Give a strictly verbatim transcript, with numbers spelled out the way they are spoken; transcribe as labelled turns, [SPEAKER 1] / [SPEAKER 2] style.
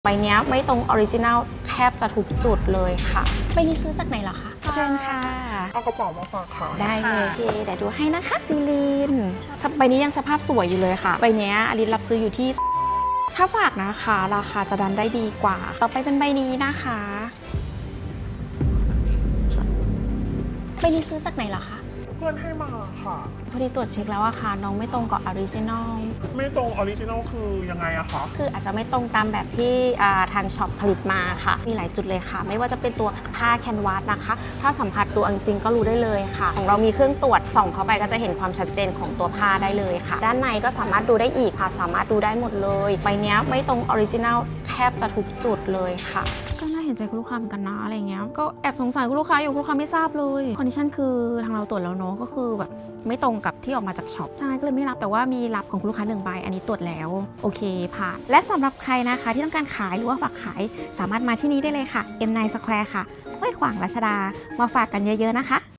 [SPEAKER 1] ใบนี้ไม่ตรงออริจินัลแทบจะทุกจุดเลยค่ะใบนี้ซื้อจากไหนเหรอคะเชิญค่ะ
[SPEAKER 2] เอากระเป๋ามาฝากค่ะ
[SPEAKER 1] ได้เลยโอเคเดี๋ยวดูให้นะคะซีลีนใบนี้ยังสภาพสวยอยู่เลยค่ะใบนี้อลิสรับซื้ออยู่ที่ถ้าฝากนะคะราคาจะดันได้ดีกว่าต่อไปเป็นใบนี้นะคะใบนี้ซื้อจากไหนเหรอคะ
[SPEAKER 2] เพื่อนให้มาค่ะ
[SPEAKER 1] พอดีตรวจเช็คแล้วอะค่ะน้องไม่ตรงกับออริจินอล
[SPEAKER 2] ไม่ตรงออริจินอลคือยังไงอะคะ
[SPEAKER 1] คืออาจจะไม่ตรงตามแบบที่ทางช็อปผลิตมาค่ะมีหลายจุดเลยค่ะไม่ว่าจะเป็นตัวผ้าแคนวาสนะคะถ้าสัมผัสดูจริงก็รู้ได้เลยค่ะของเรามีเครื่องตรวจส่องเข้าไปก็จะเห็นความชัดเจนของตัวผ้าได้เลยค่ะด้านในก็สามารถดูได้อีกค่ะสามารถดูได้หมดเลยใบนี้ไม่ตรงออริจินอลแทบจะทุกจุดเลยค่ะก็น่าเห็นใจคุณลูกค้าเหมือนกันนะอะไรเงี้ยก็แอบสงสัยคุณลูกค้าอยู่คุณลูกค้าไม่ทราบเลยคอนดิชันคือทางเราตรวจแล้วเนาะก็คือแบบไม่ตรงกับที่ออกมาจากช็อปใช่ก็เลยไม่รับแต่ว่ามีรับของคุณลูกค้าหนึ่งใบอันนี้ตรวจแล้วโอเคผ่านและสำหรับใครนะคะที่ต้องการขายหรือว่าฝากขายสามารถมาที่นี้ได้เลยค่ะ เอ็ม ไนน์ Square ค่ะห้วยขวางรัชดามาฝากกันเยอะๆนะคะ